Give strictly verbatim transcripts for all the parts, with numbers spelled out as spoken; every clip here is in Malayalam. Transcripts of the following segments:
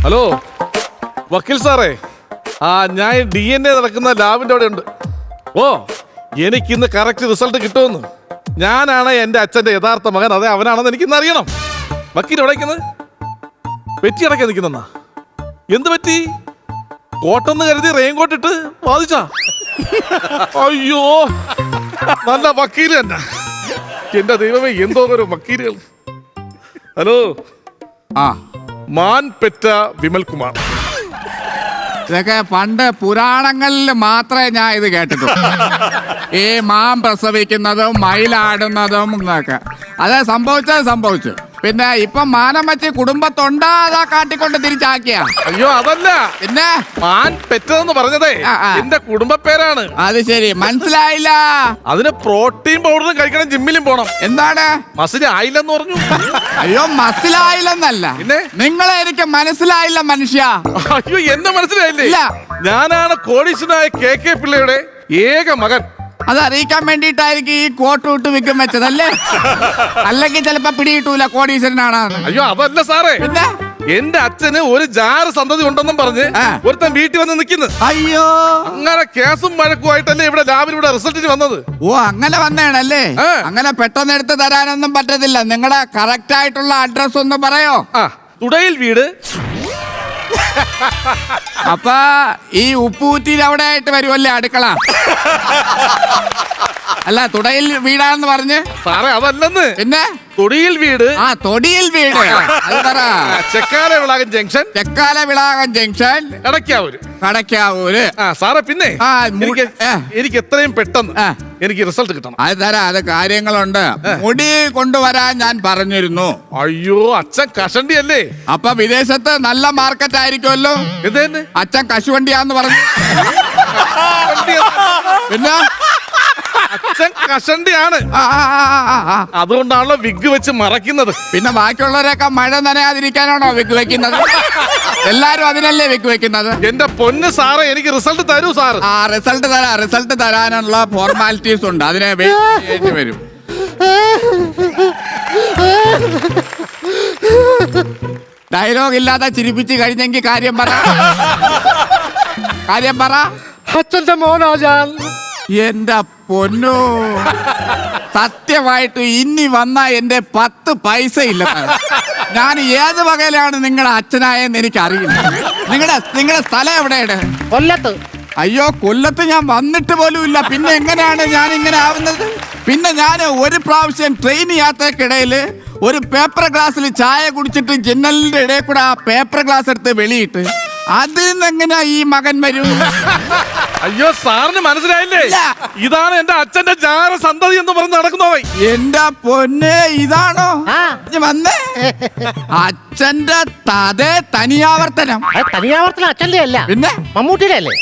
ഹലോ വക്കീൽ സാറേ, ആ ഞാൻ ഡി എൻ എ നടക്കുന്ന ലാബിന്റെ അവിടെ ഉണ്ട്. ഓ എനിക്കിന്ന് കറക്റ്റ് റിസൾട്ട് കിട്ടുമെന്ന്. ഞാനാണ് എൻ്റെ അച്ഛൻ്റെ യഥാർത്ഥ മകൻ, അതെ അവനാണെന്ന് എനിക്കിന്ന് അറിയണം. വക്കീൽ എവിടേക്കുന്നത്? പെറ്റി അടക്കാൻ നിൽക്കുന്നെന്നാ? എന്ത് പറ്റി? കോട്ടെന്ന് കരുതി റെയിൻകോട്ട് ഇട്ട് വാദിച്ചാ? അയ്യോ നല്ല വക്കീല് തന്നെ. എന്റെ ദൈവമേ, എന്തോ ഒരു വക്കീലുകൾ. ഹലോ, ആ മാൻ പെറ്റ വിമൽ കുമാർ. ഇതൊക്കെ പണ്ട് പുരാണങ്ങളിൽ മാത്രമേ ഞാൻ ഇത് കേട്ടിട്ടുള്ളൂ. ഈ മാൻ പ്രസവിക്കുന്നതും മയിലാടുന്നതും എന്നൊക്കെ അത് സംഭവിച്ചത് സംഭവിച്ചു. പിന്നെ ഇപ്പൊ മാനം വെച്ച് കുടുംബത്തൊണ്ടാ അതാ കാട്ടിക്കൊണ്ട് തിരിച്ചാക്കിയ. അയ്യോ അതല്ല, പിന്നെ മാൻ പെറ്റതെന്ന് പറഞ്ഞതേ ആ, ആ. എന്റെ കുടുംബ പേരാണ്. അത് ശരി, മനസ്സിലായില്ല. അതിന് പ്രോട്ടീൻ പൗഡറും കഴിക്കണം, ജിമ്മിലും പോണം. എന്താണ്? മസിന് ആയില്ലെന്ന് പറഞ്ഞു. അയ്യോ മനസ്സിലായില്ലെന്നല്ല, പിന്നെ? നിങ്ങളെ എനിക്ക് മനസ്സിലായില്ല മനുഷ്യ. അയ്യോ എന്നെ മനസ്സിലായില്ലേ? ഇല്ല. ഞാനാണ് കോടീശ്വരനായ കെ കെ പിള്ളയുടെ ഏക മകൻ. അത് അറിയിക്കാൻ വേണ്ടിയിട്ടായിരിക്കും ഈ കോട്ട് വിട്ട് വിൽക്കും വെച്ചതല്ലേ? അല്ലെങ്കിൽ ചിലപ്പോ പിടികിട്ടൂല കോടീശ്വരനാണ്. അയ്യോ അതല്ല സാറേ, പിന്നെ എന്റെ അച്ഛന് ഒരു ജാറ് സന്തതി ഉണ്ടെന്നും പറഞ്ഞ് ആ. ഒരുത്തൻ വീട്ടിൽ വന്ന് നിൽക്കുന്നു. അയ്യോ, അങ്ങനെ കേസും വഴക്കുമായിട്ടല്ലേ ഇവിടെ ലാബിലൂടെ റിസൾട്ടിന് വന്നത്. ഓ അങ്ങനെ വന്നേണല്ലേ? ആ. അങ്ങനെ പെട്ടെന്ന് എടുത്ത് തരാനൊന്നും പറ്റത്തില്ല. നിങ്ങളുടെ കറക്റ്റ് ആയിട്ടുള്ള അഡ്രസ് ഒന്ന് പറയോ? ആ തുടയിൽ വീട്. അപ്പൊ ഈ ഉപ്പൂറ്റിയിൽ അവിടെ ആയിട്ട് വരുമല്ലേ അടുക്കള? അല്ല, തുടയിൽ വീടാന്ന് പറഞ്ഞ്. സാറേ അതല്ലെന്ന്, പിന്നെ തൊടിയിൽ വീട്. ആ തൊടിയിൽ വീട്. അത് പറ. Chekkala Vilakan junction, Chekkala Vilakan junction, Edakkavoor, Kadakkavoor. ആ സാറേ പിന്നെ ആ, എനിക്ക് ആ. എനിക്ക് എത്രയും പെട്ടെന്ന് ആ. എനിക്ക് റിസൾട്ട് കിട്ടണം. അത് തരാം, അത് കാര്യങ്ങളുണ്ട്. മുടി കൊണ്ടുവരാൻ ഞാൻ പറഞ്ഞിരുന്നു. അയ്യോ അച്ഛൻ കഷണ്ടി അല്ലേ? അപ്പൊ വിദേശത്ത് നല്ല മാർക്കറ്റ് ആയിരിക്കുമല്ലോ. എന്തേന്ന്? അച്ഛൻ കശുവണ്ടിയാന്ന് പറഞ്ഞു. പിന്നെ അച്ഛൻ കഷണ്ടിയാണ്, ആ, ആ, ആ, ആ, ആ. അതുകൊണ്ടാണല്ലോ വിഗ് വെച്ച് മറയ്ക്കുന്നത്. പിന്നെ ബാക്കിയുള്ളവരൊക്കെ മഴ നനയാതിരിക്കാനാണോ വിക്ക് വെക്കുന്നത്? എല്ലാരും അതിനല്ലേ വിക്ക് വെക്കുന്നത്. എന്റെ പൊന്ന് സാറേ, എനിക്ക് റിസൾട്ട് തരൂ സാർ. ആ റിസൾട്ട് തരാ റിസൾട്ട് തരാനുള്ള ഫോർമാലിറ്റീസ് ഉണ്ട്, അതിനെ വെയിറ്റ് ചെയ്യേണ്ടി വരും. ഡയലോഗ് ഇല്ലാതെ ചിരിപ്പിച്ച് കഴിഞ്ഞെങ്കിൽ കാര്യം പറ, കാര്യം പറ. അച്ഛന്റെ മോനാ ഞാൻ. എന്റെ പൊന്നോ, സത്യമായിട്ട് ഇനി വന്ന എന്റെ പത്ത് പൈസ ഇല്ല. ഞാൻ ഏത് വകയിലാണ് നിങ്ങളുടെ അച്ഛനായെന്ന് എനിക്ക് അറിയില്ല. നിങ്ങളുടെ നിങ്ങളുടെ സ്ഥലം എവിടെയാണ്? കൊല്ലത്ത്. അയ്യോ കൊല്ലത്ത് ഞാൻ വന്നിട്ട് പോലും ഇല്ല. പിന്നെ എങ്ങനെയാണ് ഞാൻ ഇങ്ങനെ ആവുന്നത്? പിന്നെ ഞാൻ ഒരു പ്രാവശ്യം ട്രെയിൻ യാത്രക്കിടയിൽ ഒരു പേപ്പർ ഗ്ലാസ്സിൽ ചായ കുടിച്ചിട്ട് ജനലിന്റെ ഇടയിൽ കൂടെ ആ പേപ്പർ ഗ്ലാസ് എടുത്ത് വെളിയിട്ട് അതിൽ നിന്ന് എങ്ങനെയാ ഈ മകൻ വരും? അയ്യോ സാറിന് മനസ്സിലായില്ലേ? ഇല്ല. ഇതാണ് എന്റെ അച്ഛന്റെ ജാര സന്തതി എന്ന് പറഞ്ഞ് നടക്കുന്നവൻ. എന്റെ പൊന്നെ, ഇതാണോ ആ. ഇഞ്ഞ് വന്നേ? അച്ഛന്റെ തതേ തനിയാവർത്തനം. അത് തനിയാവർത്തനം അച്ഛൻ്റെ അല്ല, പിന്നെ മമ്മൂട്ടിയുടെ അല്ലേ?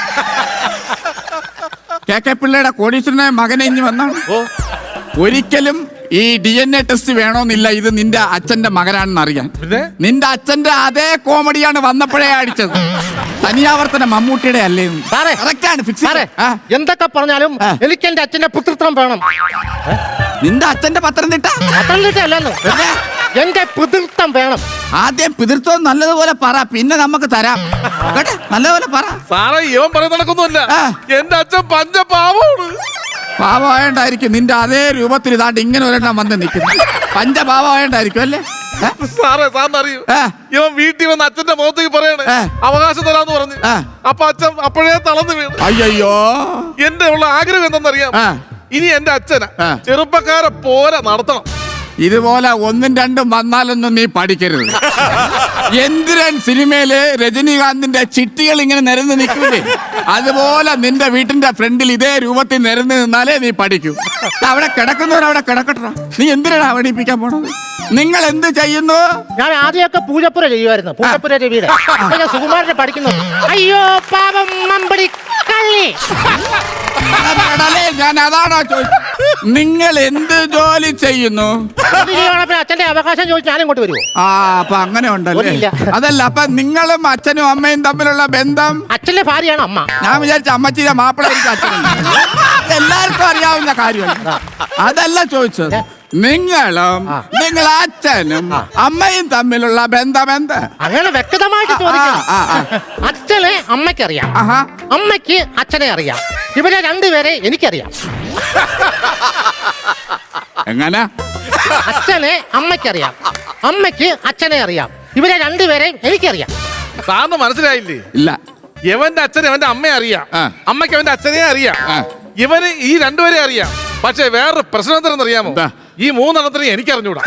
കെ കെ പിള്ളയുടെ കോടീശ്വരനായ മകനെ ഇഞ്ഞ് വന്നാണ്. ഓ ഒരിക്കലും ഈ ഡി എൻ എ ടെസ്റ്റ് വേണമെന്നില്ല, ഇത് നിന്റെ അച്ഛന്റെ മകനാണെന്ന് അറിയാൻ. പിന്നെ നിന്റെ അച്ഛന്റെ അതേ കോമഡിയാണ് വന്നപ്പോഴേ അടിച്ചത്. തനിയാവർത്തനം മമ്മൂട്ടിയുടെ അല്ലേ? സാറേ, കറക്റ്റാണ്, ഫിക്സ്. സാറേ, എന്തൊക്കെ പറഞ്ഞാലും ആ. എനിക്ക് എന്റെ അച്ഛന്റെ പുത്രത്വം വേണം. നിന്റെ അച്ഛന്റെ പത്തനംതിട്ട പത്തനംതിട്ട അല്ലെന്ന്, പിന്നെ എന്റെ പിതൃത്വം വേണം. ആദ്യം പിതൃത്വം നല്ലതുപോലെ പറ, പിന്നെ നമുക്ക് തരാം കേട്ടോ. നല്ലതുപോലെ പറ. സാറേ ഇവൻ പറയുന്ന നടക്കൊന്നുമില്ല. ആ. എന്റെ അച്ഛൻ പഞ്ചപാവമാണ്. പാവമായോണ്ടായിരിക്കും നിന്റെ അതേ രൂപത്തിൽ ഇതാണ്ട് ഇങ്ങനെ ഒരെണ്ണം വന്ന് നിൽക്കുന്നു. പഞ്ചപാവമായോണ്ടായിരിക്കും അല്ലേ? ഏ? സാറേ സാറിന് അറിയൂ, ആ. ഇവൻ വീട്ടിൽ വന്ന് അച്ഛന്റെ മുഖത്തേക്ക് പറയണേ ആ. അവകാശം തരാന്ന് പറഞ്ഞു. ആ. അപ്പൊ അച്ഛൻ അപ്പോഴേ തളർന്നു വീണു. അയ്യോ, എന്റെ ഉള്ള ആഗ്രഹം എന്തെന്നറിയാം? ആ. ഇനി എന്റെ അച്ഛനെ ആ. ചെറുപ്പക്കാരെ പോലെ നടത്തണം. ഇതുപോലെ ഒന്നും രണ്ടും വന്നാലൊന്നും നീ പഠിക്കരുത്. എന്തിരൻ സിനിമയില് രജനീകാന്തിന്റെ ചിട്ടികൾ ഇങ്ങനെ നിരന്ന് നിൽക്കൂലേ, അതുപോലെ നിന്റെ വീട്ടിന്റെ ഫ്രണ്ടിൽ ഇതേ രൂപത്തിൽ നിരന്ന് നിന്നാലേ നീ പഠിക്കൂ. അവിടെ കിടക്കുന്നവരവിടെ കിടക്കട്ടെ. നീ എന്തിനാണ് അവണിപ്പിക്കാൻ പോണത്? നിങ്ങൾ എന്ത് ചെയ്യുന്നു? ഞാൻ ആദ്യമൊക്കെ പൂജപ്പുര ചെയ്യുമായിരുന്നു, പൂജപ്പുര രവിയുടെ. അപ്പൊ ഞാൻ സുകുമാരനെ പഠിക്കുന്നു. അയ്യോ പാപം മമ്പടി കള്ളി. ഞാൻ അതാണോ ചോദിച്ചത്? നിങ്ങൾ എന്ത് ജോലി ചെയ്യുന്നു? അച്ഛന്റെ അവകാശം ചോദിച്ചു ഞാൻ ഇങ്ങോട്ട് വരുമോ? ആ അപ്പൊ അങ്ങനെ ഉണ്ടല്ലേ? ഒന്നുമില്ല. അതല്ല, അപ്പൊ നിങ്ങളും അച്ഛനും അമ്മയും തമ്മിലുള്ള ബന്ധം? അച്ഛന്റെ ഭാര്യയാണ് അമ്മ. ഞാൻ വിചാരിച്ച അമ്മച്ചിയുടെ മാപ്പിള എനിക്ക് അച്ഛനുണ്ട്. എല്ലാവർക്കും അറിയാവുന്ന കാര്യമല്ല, അതല്ല ചോദിച്ചത്. നിങ്ങളും ആ. നിങ്ങൾ അച്ഛനും ആ. അമ്മയും തമ്മിലുള്ള ബന്ധം എന്ത്? അങ്ങനെ വ്യക്തമായിട്ട് ചോദിക്കണം. ആ, ആ, അച്ഛനെ അമ്മയ്ക്കറിയാം, ആഹാ. അമ്മയ്ക്ക് അച്ഛനെ അറിയാം. ഇവരെ രണ്ടുപേരെ എനിക്കറിയാം. എങ്ങനെ? അച്ഛനെ അമ്മയ്ക്കറിയാം, അമ്മയ്ക്ക് അച്ഛനെ അറിയാം. ഇവരെ രണ്ടുപേരെയും എനിക്കറിയാം. സാറിന് മനസ്സിലായില്ലേ? ഇല്ല. ഇവന്റെ അച്ഛനെ അവന്റെ അമ്മയെ അറിയാം, ആ. അമ്മയ്ക്ക് അവന്റെ അച്ഛനെ അറിയാം. ആ. ഇവന് ഈ രണ്ടുപേരെ അറിയാം. പക്ഷെ വേറൊരു പ്രശ്നം എന്താണെന്ന് അറിയാമോ? എന്താ? ഈ മൂന്നെണ്ണത്തിനെ എനിക്കറിഞ്ഞൂടാ.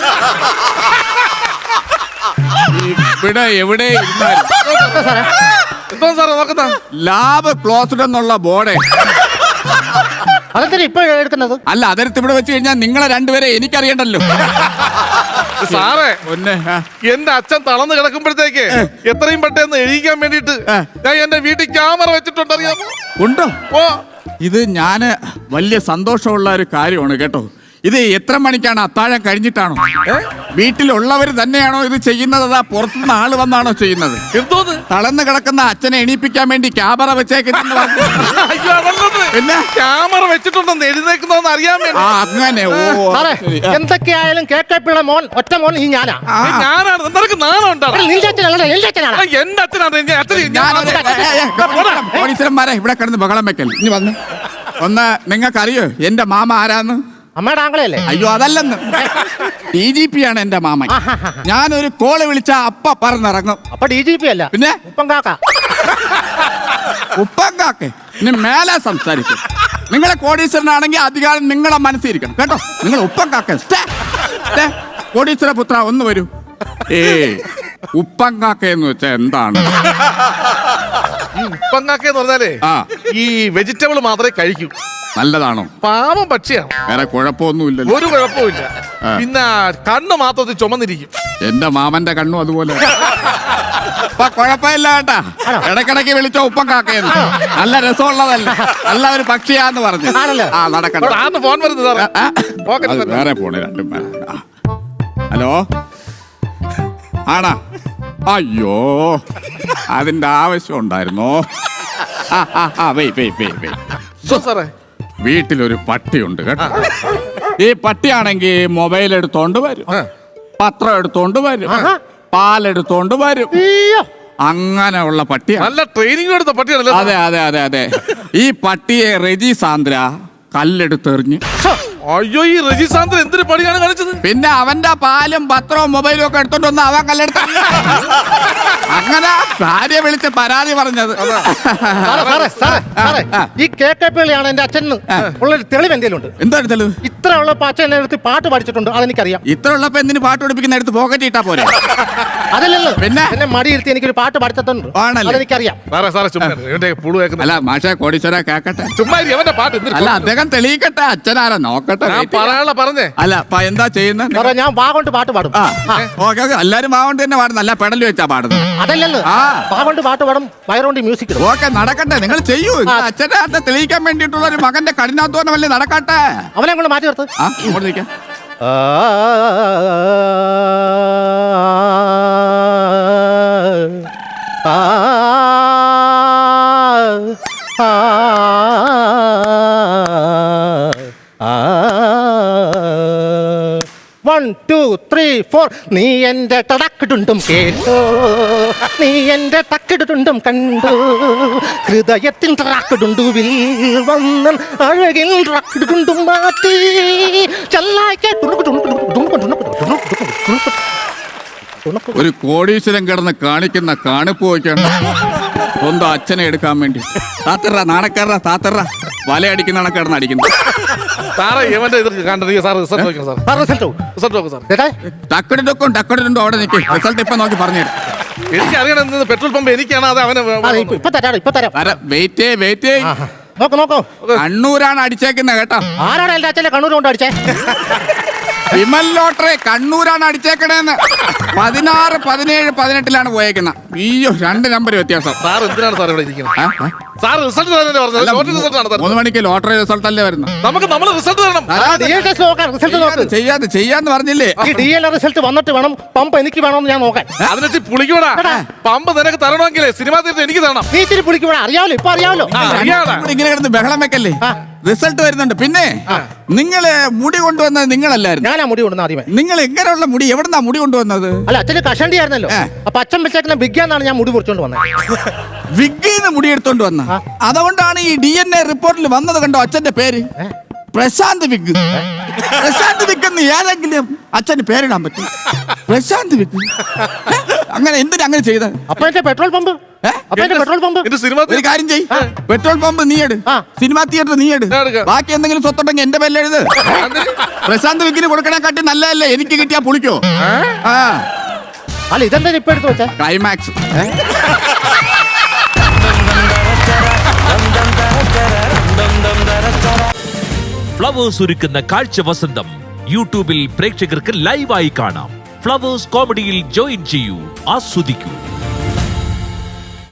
ഇവിടെ എവിടെ ഇരുന്നാലും എന്തോ സാറേ നോക്കുന്ന ലാബ് ക്ലോസ്ഡ് എന്നുള്ള ബോർഡ്. അതെന്തിനാ ഇപ്പൊ എടുക്കുന്നത്? അല്ല, അതിർത്ത് ഇവിടെ വെച്ച് കഴിഞ്ഞാൽ നിങ്ങളെ രണ്ടുപേരെ എനിക്കറിയണ്ടല്ലോ. സാറേ, ഒന്നെ ആ. എന്റെ അച്ഛൻ തളർന്ന് കിടക്കുമ്പോഴത്തേക്ക് എത്രയും പെട്ടെന്ന് എഴുതിക്കാൻ വേണ്ടിട്ട് ഏ. ഞാൻ എന്റെ വീട്ടിൽ ക്യാമറ വെച്ചിട്ടുണ്ട്, അറിയാമോ? ഉണ്ടോ? ഓ, ഇത് ഞാന് വലിയ സന്തോഷമുള്ള ഒരു കാര്യമാണ് കേട്ടോ. ഇത് എത്ര മണിക്കാണ്? അത്താഴം കഴിഞ്ഞിട്ടാണോ? വീട്ടിലുള്ളവർ തന്നെയാണോ ഇത് ചെയ്യുന്നത്? അതാ പുറത്തുനിന്ന് ആള് വന്നാണോ ചെയ്യുന്നത്? എന്തോന്ന്? തളർന്ന് കിടക്കുന്ന അച്ഛനെ എണീപ്പിക്കാൻ വേണ്ടി ക്യാമറ വെച്ചേക്കുന്നു. അയ്യോ, അതല്ലത്. പിന്നെ ക്യാമറ വെച്ചിട്ടുണ്ടെന്ന് എഴുന്നേക്കുന്നോന്ന് അറിയാൻ വേണ്ടി. ആ, അങ്ങനെ. ഓ, സാറേ, ശരി. ആ. എന്തൊക്കെയായാലും കേക്കപ്പിള്ള മോൻ ഒറ്റ മോൻ ഈ ഞാനാ. ആ, ഏ, ഞാനാണ്. നിനക്ക് നാണം ഉണ്ടാവും. എടാ, നിന്റെ അച്ഛനല്ല, എന്റെ അച്ഛനാണ്. എന്റെ അച്ഛനാണ്. എന്റെ അച്ഛൻ ഞാനൊരു- ഏ, ഏ, ഏ, പോലീസുകാരന്മാരെ ഇവിടെ കിടന്ന് ബഹളം വെക്കൽ. ഇനി വന്ന് ഒന്ന് നിങ്ങൾക്കറിയോ എന്റെ മാമ ആരാന്ന്? അമ്മയുടെ ആംഗളയല്ലേ? അയ്യോ, അതല്ലെന്ന്. ഡി ജി പി ആണ് എന്റെ മാമൻ. ഞാനൊരു കോള് വിളിച്ച അപ്പ പറന്നിറങ്ങും. അപ്പൊ ഡി ജി പി അല്ല, പിന്നെ ഉപ്പം കാക്ക. ഉപ്പങ്കാക്കെ ഇനി മേലെ സംസാരിക്കും. നിങ്ങളെ കോടീശ്വരനാണെങ്കിൽ അധികാരം നിങ്ങളെ മനസ്സിരിക്കണം കേട്ടോ. നിങ്ങൾ ഉപ്പങ്കാക്ക കോടീശ്വര പുത്ര ഒന്ന് വരൂ. ഏ ഉപ്പങ്കാക്ക എന്ന് വെച്ചാ എന്താണ്? ഉപ്പങ്ങാക്കെന്ന് പറഞ്ഞാലേ ആ. ഈ വെജിറ്റബിൾ മാത്രമേ കഴിക്കൂ. നല്ലതാണോ? പാവം പക്ഷിയാണ്, വേറെ കുഴപ്പമൊന്നുമില്ലല്ലോ. ഒരു കുഴപ്പമില്ല. പിന്നെ കണ്ണ് മാത്രത്തിൽ ചുമന്നിരിക്കും. എന്റെ മാമന്റെ കണ്ണും അതുപോലെ. അപ്പൊ കുഴപ്പമില്ല കേട്ടാ. ഇടക്കിടക്ക് വിളിച്ചോ ഉപ്പം കാക്കയെന്ന്. നല്ല രസമുള്ളതല്ല, നല്ല ഒരു പക്ഷിയാന്ന് പറഞ്ഞു. ആണല്ലോ. ആ, നടക്കണ്ട. ആന്ന് ഫോൺ വരുന്നത് സാറേ. ആ, പോക്കറ്റിൽ അത് തന്നെ. വേറെ പോണേ രണ്ടും പേരെ. ആ. ഹലോ, ആണാ? അയ്യോ, അതിന്റെ ആവശ്യം ഉണ്ടായിരുന്നോ? ആ ആ ആ വെയ് വെയ് വെയ് വെയ് എന്തോ സാറേ? വീട്ടിലൊരു പട്ടിയുണ്ട് കേട്ടോ. ഈ പട്ടിയാണെങ്കിൽ മൊബൈൽ എടുത്തോണ്ട് വരും, ആ. പത്രം എടുത്തോണ്ട് വരും, ആഹാ. പാലെടുത്തോണ്ട് വരും. അയ്യോ, അങ്ങനെയുള്ള പട്ടിയാണ്. നല്ല ട്രെയിനിങ് എടുത്ത പട്ടിയാണല്ലോ. അതെ അതെ അതെ അതെ. ഈ പട്ടിയെ റെജി സാന്ദ്ര കല്ലെടുത്തെറിഞ്ഞ്. അയ്യോ, ഈ രജിസാന്തൻ എന്തൊരു പണിയാണ് കാണിച്ചത്? പിന്നെ അവന്റെ പാലും പത്രവും മൊബൈലും ഒക്കെ എടുത്തോണ്ട് വന്ന് അവൻ കല്ലെടുത്ത. അങ്ങനെ ഭാര്യ വിളിച്ച് പരാതി പറഞ്ഞത്. സാറേ, സാറേ, സാറേ, സാറേ, ഈ കേക്കപ്പിള്ളിയാണ് എന്റെ അച്ഛൻ ഉള്ളൊരു തെളിവ് എന്തെങ്കിലും ഉണ്ട്? എന്താണ് തെളിവ്? ഇത്ര ഉള്ളപ്പോ അച്ഛൻ എന്നെ എടുത്ത് പാട്ട് പഠിച്ചിട്ടുണ്ട്, അതെനിക്കറിയാം. ഇത്ര ഉള്ളപ്പോ എന്തിന് പാട്ട് പഠിപ്പിക്കുന്ന എടുത്ത് പോക്കറ്റ് ഇട്ടാ പോരെ? അതല്ലല്ലോ, പിന്നെ? എന്നെ മടിയിരുത്തി എനിക്കൊരു പാട്ട് പഠിച്ചിട്ടുണ്ട്, ആണല്ലേ? അതെനിക്കറിയാം. സാറേ സാറേ ചുമ്മാ ഇരി. ഇവന്റെ പുളു കേൾക്കുന്ന അല്ല മാഷെ കോടീശ്വര കേക്കട്ടെ. ചുമ്മാ ഇരി. അവന്റെ പാട്ട് എന്തൊരു അല്ല അദ്ദേഹം തെളിയിക്കട്ടെ. അച്ഛനാരാ നോക്കട്ടെ. ഞാൻ wait ചെയ്യാം. പറയാനുള്ള പറഞ്ഞേ. അല്ല അപ്പൊ എന്താ ചെയ്യുന്നത്? സാറേ, ഞാൻ വാ കൊണ്ട് പാട്ട് പാടും. ആ ഓക്കെ ഓക്കെ. എല്ലാരും മാവണ്ട് തന്നെ പാടുന്നു. അല്ല പെടല് വെച്ചാ പാടുന്നത്. അതല്ലല്ലോ, ആ. വാ കൊണ്ട് പാട്ട് പാടും, വയറുകൊണ്ട് മ്യൂസിക് ഇടും. ഓക്കെ നടക്കട്ടെ. നിങ്ങൾ ചെയ്യൂ. ആ. അച്ഛന്റെ അർത്ഥം തെളിയിക്കാൻ വേണ്ടിയിട്ടുള്ള ഒരു മകന്റെ കഠിനാധ്വാനമല്ലേ നടക്കട്ടെ. അവനെ കൊണ്ട് മാറ്റി നിർത്ത്. ആ ഇങ്ങോട്ട് നിൽക്കാം. One two three four. നീ എന്റെ ടടക്കിടുണ്ടും കേട്ടോ, നീ എന്റെ ടക്കിടുണ്ടും കണ്ടു, ഹൃദയത്തിൽ ടറാക്കിടുണ്ടുവിൽ വന്നൻ അഴകിൽ ടക്കിടുണ്ടും മാറ്റി ചെല്ലായിക്കെ. ഒരു കോടീശ്വരൻ കിടന്ന് കാണിക്കുന്ന കാണിപ്പ് വയ്ക്കാണ് സ്വന്തം അച്ഛനെ എടുക്കാൻ വേണ്ടി. താത്തറ നാണക്കാരറ താത്തറ വലയടിക്കുന്ന കണക്കിടന്ന് അടിക്കുന്നു. സാറേ ഇവന്റെ ഇത് കണ്ടത് സാർ റിസൾട്ട് നോക്കണം സാർ. സാർ റിസൾട്ട് റിസൾട്ട് നോക്കും സാർ. ചേട്ടാ, ടക്കടിടൊക്കും ടക്കടിടുണ്ടോ അവിടെ നിൽക്കും. റിസൾട്ട് ഇപ്പൊ നോക്കി പറഞ്ഞു എനിക്ക് അറിയണം പെട്രോൾ പമ്പ് എനിക്കാണ് അത് അവനെ അതെ, ഇപ്പൊ ഇപ്പൊ തരാം, ഇപ്പൊ തരാം. തരാം. Wait wait. ആഹാ. നോക്കൂ നോക്കൂ, കണ്ണൂരാണ് അടിച്ചേക്കുന്നത് കേട്ടോ. ആരാണ് എന്റെ അച്ഛനെ കണ്ണൂർ കൊണ്ട് അടിച്ചേ? വിമൽ ലോട്ടറി കണ്ണൂരാണ് അടിച്ചേക്കണേന്ന്. പതിനാറ് പതിനേഴ് പതിനെട്ടിലാണ് പോയേക്കുന്നത്. അയ്യോ, രണ്ട് നമ്പർ വ്യത്യാസം. സാർ എന്തിനാണ് സാർ ഇവിടെ ഇരിക്കുന്നത്? ആ, ആ. സാർ റിസൾട്ട് തരാനല്ലേ പറഞ്ഞത്? ലോട്ടറി റിസൾട്ട് ആണ് സാർ. മൂന്ന് മണിക്ക് ലോട്ടറി റിസൾട്ട് അല്ലേ വരുന്നത്? നമുക്ക് നമ്മൾ റിസൾട്ട് തരണം. ഡി എൽ ടെസ്റ്റ് നോക്കാൻ, റിസൾട്ട് നോക്ക്. ചെയ്യാന്ന് ചെയ്യാന്ന് പറഞ്ഞില്ലേ? ഈ ഡി എൽ റിസൾട്ട് വന്നിട്ട് വേണം പമ്പ് എനിക്ക് വേണമെന്ന് ഞാൻ നോക്കാൻ. അതിനെ പുളിക്കൂടാ. പമ്പ് നിനക്ക് തരണമെങ്കിലേ സിനിമാ തീർത്ത് എനിക്ക് തരണം. നീ ഇച്ചിരി പിടിക്കൂടാ, അറിയാമല്ലോ, ഇപ്പൊ അറിയാമല്ലോ. ആ, അറിയാടാ. ഇവിടെ ഇങ്ങനെ കിടന്ന് ബഹളം വെക്കല്ലേ. റിസൾട്ട് വരുന്നുണ്ട്. പിന്നെ നിങ്ങള് മുടി കൊണ്ടുവന്നത് നിങ്ങളല്ലായിരുന്നു. ഞാനാ മുടി കൊണ്ടുവന്ന ആദ്യമേ. നിങ്ങൾ എങ്ങനെയുള്ള മുടി, എവിടുന്നാ മുടി കൊണ്ടുവന്നത്? അല്ല, അച്ഛന് കഷണ്ടി ആയിരുന്നല്ലോ. അപ്പൊ അച്ഛൻ വെച്ചേക്കുന്ന ബിഗ്ഗാന്നാണ് ഞാൻ മുടി മുറിച്ചോണ്ട് വന്നത്. വിഗ്ഗിന്ന് മുടി എടുത്തോണ്ട് വന്ന. അതുകൊണ്ടാണ് ഈ ഡി എൻ എ റിപ്പോർട്ടിൽ വന്നത്. കണ്ടോ അച്ഛന്റെ പേര് പ്രശാന്ത് വിഗ്. പ്രശാന്ത് വിഗ് എന്ന് ഏതെങ്കിലും അച്ഛന് പേരിടാൻ പറ്റും? പ്രശാന്ത് വിഗ് അങ്ങനെ എന്തിനാ അങ്ങനെ ചെയ്ത? അപ്പൊ എന്റെ പെട്രോൾ പമ്പ് അപ്പൊ എന്റെ പെട്രോൾ പമ്പ് എന്റെ സിനിമ ഒരു കാര്യം ചെയ്, പെട്രോൾ പമ്പ് നീ എടു, ആ. സിനിമാ തിയേറ്റർ നീ എടു, ഞാൻ എടുക്കാം. ബാക്കി എന്തെങ്കിലും സ്വത്തുണ്ടെങ്കിൽ എന്റെ പേരിൽ എഴുത്. പ്രശാന്ത് വിഗിന് കൊടുക്കണേക്കാട്ടി നല്ലതല്ലേ എനിക്ക് കിട്ടിയാ പുളിക്കോ? ആ അല്ല, ഇതെന്താ ഇപ്പൊ എടുത്ത് വെച്ചാ? ക്ലൈമാക്സ്. ഫ്ലവേഴ്സ് ഒരുക്കുന്ന കാഴ്ച വസന്തം യൂട്യൂബിൽ പ്രേക്ഷകർക്ക് ലൈവായി കാണാം. ഫ്ലവേഴ്സ് കോമഡിയിൽ ജോയിൻ ചെയ്യൂ, ആസ്വദിക്കൂ.